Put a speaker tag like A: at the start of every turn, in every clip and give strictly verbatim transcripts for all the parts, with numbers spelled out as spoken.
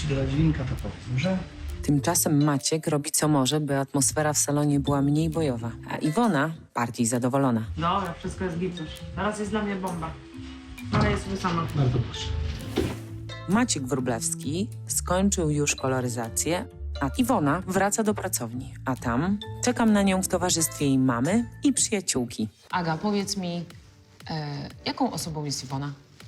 A: ci dodać winka, to powiedz, dobrze?
B: Tymczasem Maciek robi co może, by atmosfera w salonie była mniej bojowa, a Iwona bardziej zadowolona.
C: Dobra, wszystko jest git już. Teraz jest dla mnie bomba. Ale jest sobie sama.
A: Bardzo proszę.
B: Maciek Wróblewski skończył już koloryzację, a Iwona wraca do pracowni, a tam czekam na nią w towarzystwie jej mamy i przyjaciółki.
D: Aga, powiedz mi, e, jaką osobą jest Iwona?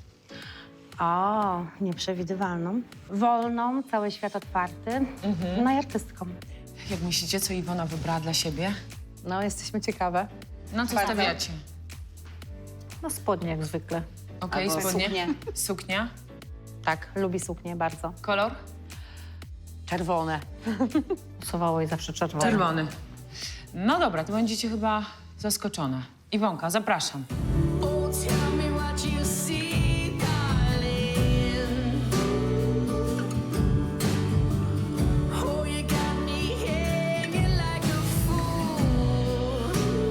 E: O, nieprzewidywalną. Wolną, cały świat otwarty.
D: Mhm.
E: No i artystką.
D: Jak myślicie, co Iwona wybrała dla siebie?
E: No, jesteśmy ciekawe.
D: Na co
E: Bardzo.
D: stawiacie?
E: No, spodnie jak zwykle.
D: Okej,
E: Albo
D: spodnie.
E: suknie.
D: Suknia.
E: Tak, lubi suknię bardzo.
D: Kolor?
E: Czerwone. Usuwało jej zawsze czerwone.
D: Czerwony. No dobra, to będziecie chyba zaskoczone. Iwonka, zapraszam.
F: Oh, tell me what you see, darling. Oh, you got me hanging like a fool.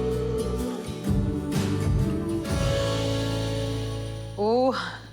E: U.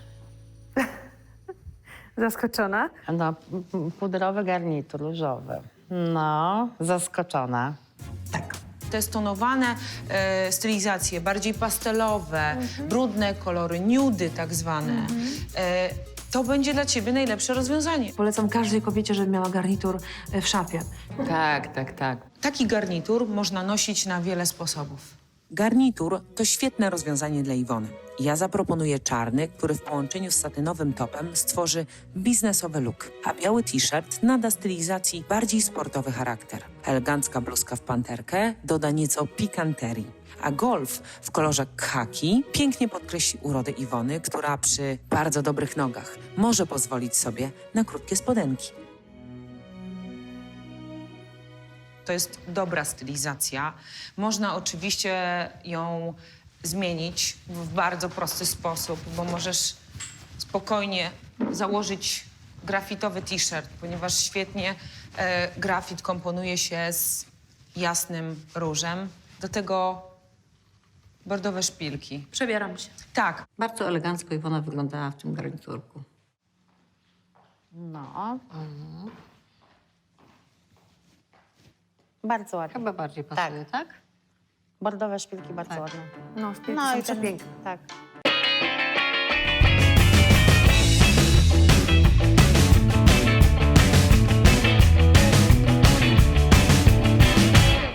E: Zaskoczona? No, p- p- pudrowy garnitur różowy. No, zaskoczona.
D: Te stonowane e, stylizacje, bardziej pastelowe, brudne kolory, nudy tak zwane, e, to będzie dla ciebie najlepsze rozwiązanie.
G: Polecam każdej kobiecie, żeby miała garnitur e, w szafie.
D: Tak, tak, tak. Taki garnitur można nosić na wiele sposobów.
B: Garnitur to świetne rozwiązanie dla Iwony. Ja zaproponuję czarny, który w połączeniu z satynowym topem stworzy biznesowy look, a biały t-shirt nada stylizacji bardziej sportowy charakter. Elegancka bluzka w panterkę doda nieco pikanterii, a golf w kolorze khaki pięknie podkreśli urodę Iwony, która przy bardzo dobrych nogach może pozwolić sobie na krótkie spodenki.
D: To jest dobra stylizacja. Można oczywiście ją zmienić w bardzo prosty sposób, bo możesz spokojnie założyć grafitowy t-shirt, ponieważ świetnie e, grafit komponuje się z jasnym różem. Do tego bordowe szpilki.
G: Przebieram się.
D: Tak,
H: Bardzo elegancko Iwona wyglądała w tym garniturku.
E: No. Bardzo ładnie.
H: Chyba bardziej pasuje, tak?
E: Bordowe szpilki bardzo
H: Tak.
E: ładne.
G: No, szpilki
E: No
G: są
E: i ten,
G: przepiękne.
E: tak.